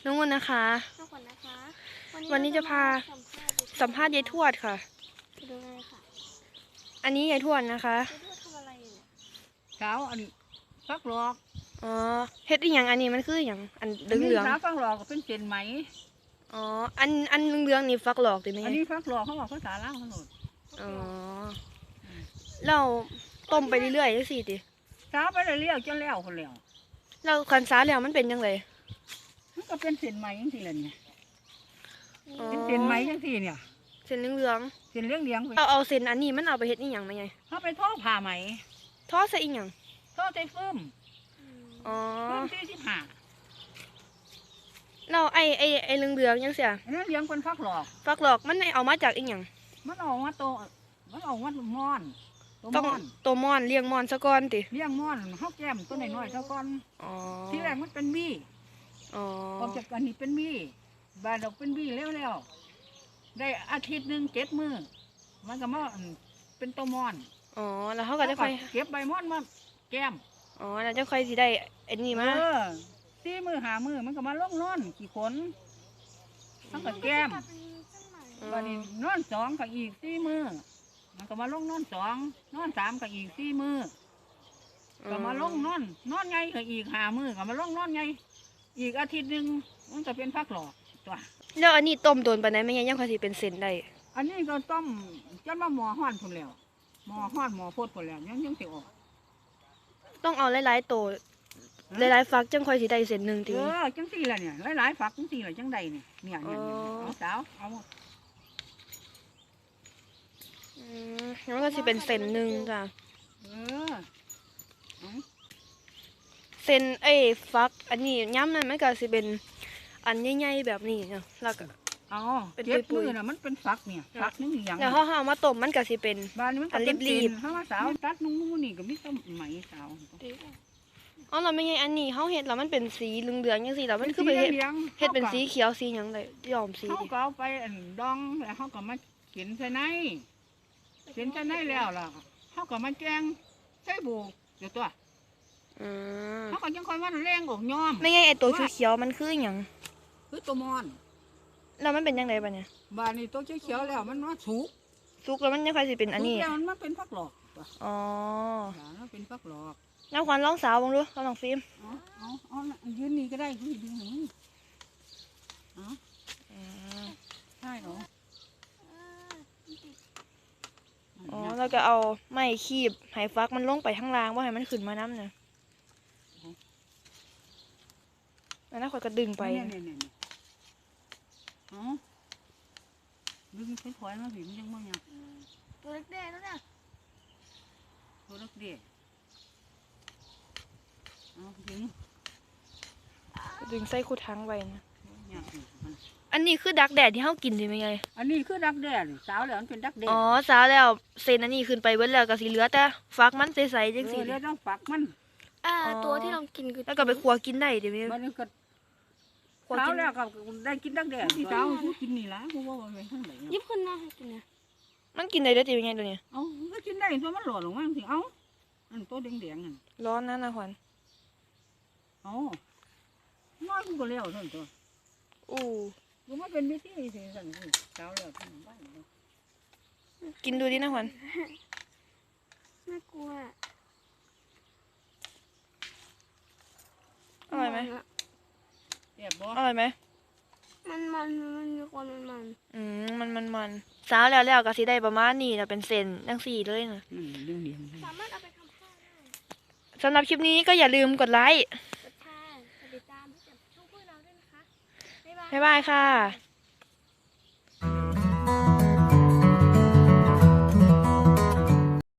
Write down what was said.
น้องวันนะคะทุกคนนะคะวันนี้จะพาสัมภาษณ์ยายทวดค่ะดูไงค่ะอันนี้ยายทวดนะคะยายทวดทำอะไรอยู่เนี่ยเช้าอันฟักหลอกอ๋อเฮ็ดอีหยังอันนี้มันคืออย่างอันเหลืองเช้าฟักหลอกก็เป็นเส้นไหมอ๋ออันเหลืองนี่ฟักหลอกติไหมอันนี้ฟักหลอกเขาบอกภาษาลาวเขาโหลดอ๋อเราต้มไปเรื่อยๆจังซี่ติเช้าไปเรื่อยๆจนแล้วคนแล้วเราคันซาแล้วมันเป็นจังไดมันก็เป็นเส้นไหมจังซี่แหละเนี่ยอ๋อเป็นเส้นไหมจังซี่เนี่ยเส้นเหลืองเส้นเลี้ยงๆไปๆเอาเส้นอันนี้มันเอาไปเฮ็ดอีหยังมาไงเขาไปทอดผ้าไหมทอดใส่อีหยังทอดใส่ฟืมอ๋อฟืม45 เราไอ้เหลืองๆจังซี่อันนั้นเลี้ยงเป็นฟักหลอกฟักหลอกมันเอามาจากอีหยังมันออกมาโตมันออกมาม่อนตัวต้องม่อนตัวม่อนเลี้ยงม่อนซะก่อนติเลี้ยงม่อนเขาแก้มตัวน้อยๆเท่าก้อนอ๋อที่แรกมันเป็นบี้อ๋อออกจากอันนี้เป็นบี้บานดอกเป็นบี้แล้วได้อาทิตย์หนึ่ง7 มื้อมันก็มาเป็นตัวม่อนอ๋อแล้วเขาก็จะค่อยเก็บใบม่อนมาแก้มอ๋อแล้วจะค่อยสิได้ไอ้นี่มา 4 มื้อ5 มื้อมันก็มาลงนอนขี้ขนมันก็แก้ม วันนี้นอน2ก็อีก4 มื้อมันก็มาลงนอน2นอน3ก็อีก4 มื้อก็มาลงนอนไงก็อีก5 มื้อก็มาลงนอนไงอีกอาทิตย์หนึ่งมันก็เป็นฟักหลอกตัวแล้วอันนี้ต้มโดนปานใดไม่ยังค่อยสิเป็นเส้นได้อันนี้ก็ต้มจนมาหม้อห้อนพุ่นแล้วหม้อห้อนหม้อพดพุ่นแล้วยังสิออกต้องเอาหลายๆโตหลายๆฟักจังค่อยสิได้เส้นหนึงติจังสี่ละเนี่ยหลายๆฝักจังสี่ละจังใดเนี่ยเอาสาวเอามันก็สิเป็นเส้นหนึงจ้ะเออเอาเส้นฟักอันนี้ย้ำนั่นมันก็สิเป็นอันใหญ่ๆแบบนี้เนาะแล้วก็เอาเป็นเจ็บปุยๆมือน่ะมันเป็นฝักเนี่ยฝักนึงอย่างแล้วเฮาเอามาต้มมันก็สิเป็นบ้านนี้มันก็เป็นรีบๆถ้าว่าสาวตัดนุ่งนี่ก็มีต้มไหมสาวอ๋อเราไม่ไงอันนี้เฮาเฮ็ดแล้วมันเป็นสีเหลืองๆจังซี่แล้วมันคือไปเฮ็ดเป็นสีเขียวสีหยังได้ย้อมสีเขาดิก็เอาไปดองแล้วเขาก็มาเขียนใส่ในแล้วล่ะเขาก็มาแกงใส่บุกเดี๋ยวตัวอืมเขาก็ยังคอยว่าแรงออกย้อมไม่ไงไอ้ตัวเขียวๆมันคือหยังคือตัวมอนแล้วมันเป็นจังไดบัดเนี่ยบ้านนี้ตัวเขียวๆแล้วมันว่าสุกสุกแล้วมันยังค่อยสิเป็นอันนี้สุกแล้วมันมาเป็นฟักหลอกตัวอ๋อมันเป็นฟักหลอกน้ำควันลองสาวบ้างดูลองฟิล์มเอายืนนี่ก็ได้คุณดึงหนูใช่เหรออ๋อแล้วก็เอาไม้คีบให้ฟักมันลงไปข้างล่างว่าให้มันขึ้นมาน้ำเนี่ยแล้วน่าคอยก็ดึงไปเนี่ยดึงถอยมาผิวยังมั่งยังตัวเล็กแดงแล้วเนี่ยตัวเล็กเดียเอาดึงดึงใส่คู่ทั้งไว้นะเนี่ยอันนี้คือดักแดดที่เฮากินใช่ไหมไงอันนี้คือดักแด้สาวแล้วมันเป็นดักแด้อ๋อสาวแล้วเส้นอันนี้ขึ้นไปเบิดแล้วก็สิเหลือแต่ฟักมันใสๆจังซี่เดี๋ยวต้องฝักมันตัวที่เรากินคือแล้วก็ไปคั่วกินได้เดี๋ยวนี้มันก็คั่วสาวกินแล้วก็ได้กินดักแด้สาวกินนี่ละกูว่าไปทางไหนยิบขึ้นมาให้กินเนี่ยมันกินได้เด้อติเป็นไงตัวเนี้ยเอาก็กินได้ตัวมันหล่อลงมาสิเอาอันตัวแดงๆนั่นร้อนนะนะควันเอาน้อยกูก็เลี้ยวเท่านั้นตัวอู้กูมาเป็นวิธีสิสั่นสิสาวแล้วที่บ้านกินดูดินะควันน่ากลัวอร่อยไหมเรียบบ่อร่อยไหมมันมีความมันมันสาวแล้วก็สิได้ประมาณนี้นะเป็นเส้นจังซี่เลยนะเรื่องเดียวสามารถเอาไปทำข้าวได้สำหรับคลิปนี้ก็อย่าลืมกดไลค์กดแชร์กดติดตามให้กับช่องพวกเราด้วยนะคะ บ๊ายบายบ๊ายบายค่ะ